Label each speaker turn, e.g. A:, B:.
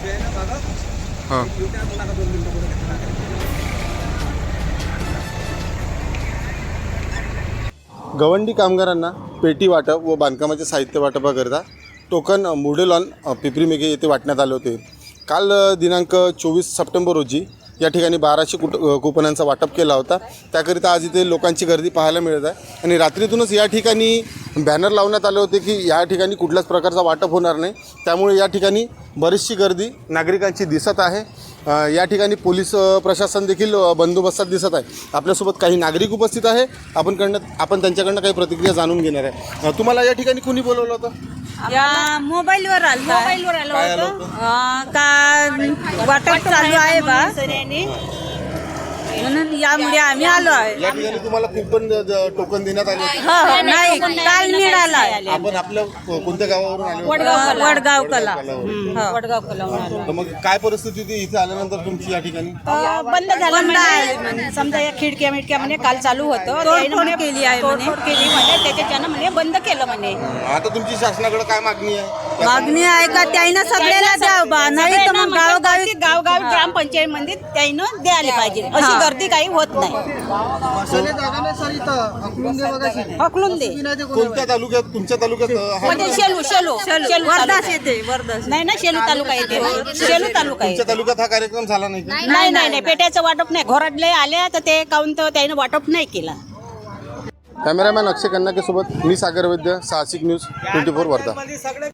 A: हां गवंडी कामगारांना पेटी वाटप व बांधकामाचे साहित्य वाटपाकरिता टोकन मुर्डेलॉन पिपरी मेघे येथे वाटण्यात आले होते. काल दिनांक 24 सप्टेंबर रोजी या ठिकाणी 1200 कुपनांचा वाटप केला होता. त्याकरिता आज इथे लोकांची गर्दी पाहायला मिळत आहे आणि रात्रीतूनच या ठिकाणी बॅनर लावण्यात आले होते की या ठिकाणी कुठल्याच प्रकारचा वाटप होणार नाही. त्यामुळे या ठिकाणी बरीचशी गर्दी नागरिकांची दिसत आहे. या ठिकाणी पोलीस प्रशासन देखील बंदोबस्तात दिसत आहे. आपल्यासोबत काही नागरिक उपस्थित आहे. आपण त्यांच्याकडनं काही प्रतिक्रिया जाणून घेणार आहे. तुम्हाला या ठिकाणी कुणी बोलवलं होतं?
B: या मोबाईलवर आलं होतं का वाटप चालू आहे बा म्हणून यामुळे आम्ही आलो आहे.
A: या ठिकाणी तुम्हाला कुपन टोकन देण्यात आले होते?
B: नाही काल मिळाला.
A: आपण आपल्या कोणत्या गावावरून आले होते?
B: वडगाव कला.
C: वडगाव कलावणार
A: तर मग काय परिस्थिती होती इथे आल्यानंतर तुमची या ठिकाणी?
C: बंद झालं म्हणजे समजा या खिडक्या मिडक्या म्हणे काल चालू होतं
B: तोडफोड केली आहे म्हणे.
C: तोडफोड केली म्हणे त्याच्यानं म्हणे बंद केलं म्हणे.
A: आता तुमची शासनाकडे काय मागणी आहे?
B: मागणी आहे का त्याईनं सगळ्याला द्याव बा नाही तर मग गावोगावी
C: गावगावी ग्रामपंचायत मध्ये त्यानं द्यायला पाहिजे. अशी गर्दी काही होत नाही. हकलून दे
A: कोणत्या तालुक्यात तुमच्या तालुक्यात
C: म्हणजे शेलू शेलू शेलू
B: वर्धाच येते वर्धाच.
C: नाही ना शेलू तालुका येते शेलू तालुका आहे.
A: तुमच्या तालुक्यात हा कार्यक्रम झाला नाही का?
C: नाही पेट्याचं वाटप नाही. घोराडले आल्या तर ते काऊन तर त्यानं वाटप नाही केला.
A: कॅमेरामॅन अक्षय कन्नाके सोबत मी सागर वैद्य, साहसिक न्यूज 24 वर्धा.